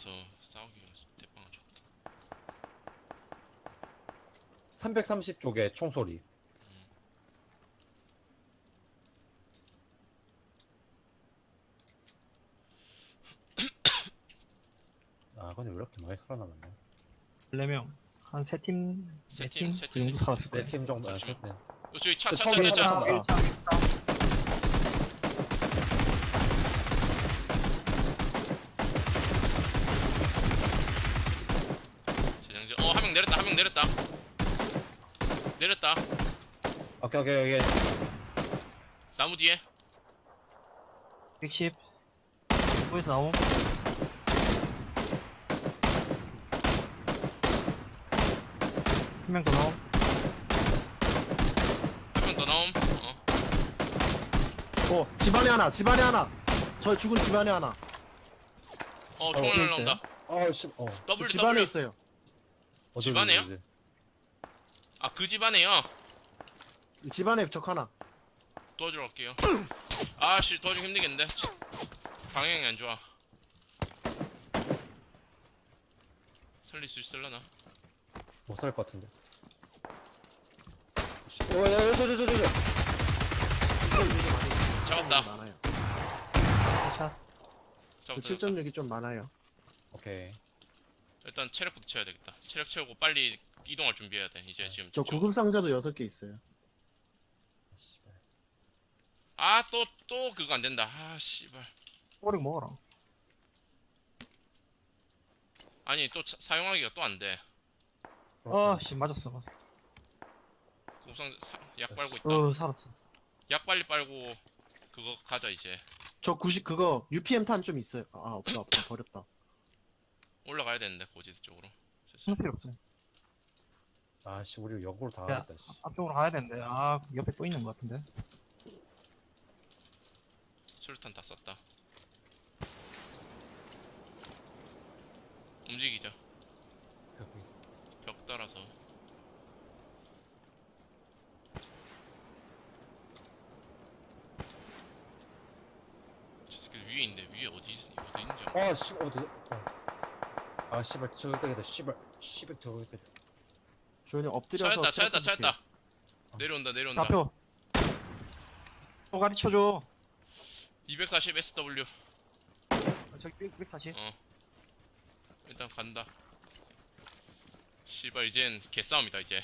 싸우기가 대빵 좋다. 330쪽에 총소리. 아 근데 왜 이렇게 많이 살아남았냐? 4명 한 3팀 세 팀, 4팀 세 그 정도 팀. 살았을 거예요. 4팀 정도. 아, 잠시만. 셋, 넷. 저기 차, 그 차, 처음에 차, 차, 차. 차. 재장전. 한 명 내렸다. 한 명 내렸다. 내렸다. 오케이 오케이 오케이. 나무 뒤에. 110 거기서 나옴. 한 명 더 나옴. 한 명 더 나옴. 집안에 하나, 집안에 하나. 저 죽은 집안에 하나. 총알 어디 날라온다. 아씨 저 W, 집안에 W. 있어요. 집 안에요? 그 집 안에요. 집안에 적 하나. 도와주러 갈게요. 아씨, 도와주기 힘들겠는데. 방향이 안 좋아. 살릴 수 있을라나? 못 살 것 같은데. 야저저저저. 잡았다. 많아요. 차. 그 잡았다. 7.6이 좀 많아요. 오케이. 일단 체력부터 채워야 되겠다. 체력 채우고 빨리 이동할 준비해야 돼. 이제 지금. 저 구급 상자도 6개 있어요. 또 그거 안 된다. 씨발. 꼬리 먹어라. 아니 또 사용하기가 또 안 돼. 씨 맞았어. 곱상 약 빨고 있다. 살았어. 약 빨리 빨고 그거 가자 이제. 저 90 그거 UPM 탄 좀 있어요. 없다 버렸다. 올라가야 되는데 고지대 쪽으로. 무슨 필요 없어. 아씨 우리 역으로 다 야, 하겠다. 씨. 앞쪽으로 가야 되는데 옆에 또 있는 것 같은데. 수류탄 다 썼다. 움직이자. 벽 따라서. 저 새끼 위에 있는데 위에 어디 있는지 알아? 아씨 어디? 아 씨발 저기다 씨발 저기다. 조연이 엎드려서 찾았다. 내려온다. 좌표. 또 가르쳐줘. 240 SW. 저기 140. 일단 간다. 씨발 이젠 개싸움이다 이제.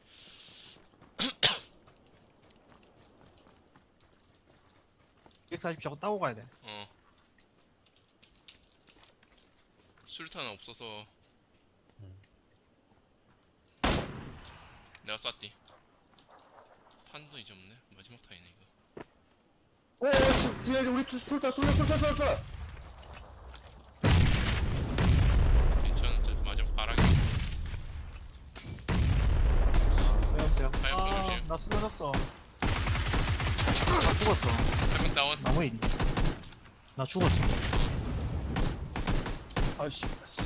저거 따고 가야 돼. 수류탄은 없어서 내가 쐈디. 탄도 이제 없네. 마지막 타이네 이거. 오씨 뒤에 우리 술타. 괜찮아. 저 마지막 바라기. 빼었어요. 하얀 거 조심. 나 쓰러졌어. 나 죽었어. 한명 다운. 나무에 있네. 나 죽었어. 아씨.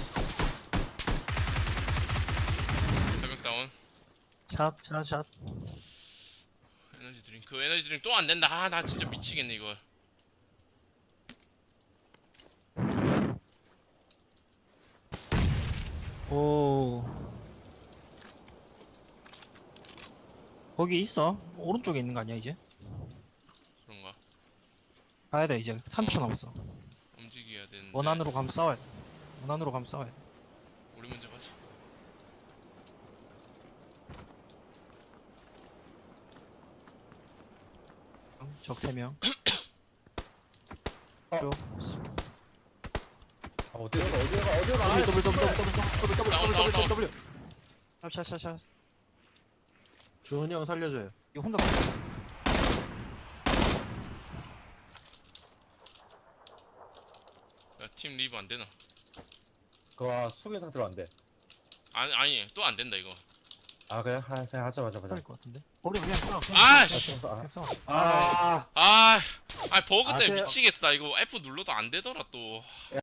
한명 다운. 샷. 에너지 드링크 또 안 된다. 나 진짜 미치겠네 이거. 오. 거기 있어. 오른쪽에 있는 거 아니야 이제? 그런가? 가야 돼 이제. 3초 남았어. 움직여야 되는데. 원안으로 가면 싸워야 돼. 원안으로 가면 싸워야 돼. 우리 먼저 가자. 적 3명. 어디가 가? 더블. 샷. 주원이 형 살려줘요. 이거 혼자 야, 팀 리브 안 되나? 그거 숙인 상태로 안 돼. 아니 또 안 된다 이거. 아 그냥 하자. 할것 같은데. 버려 그냥 쏴. 아씨. 그냥 쏴. 아, 버그 때문에 그- 미치겠다. 이거 F 눌러도 안 되더라 또.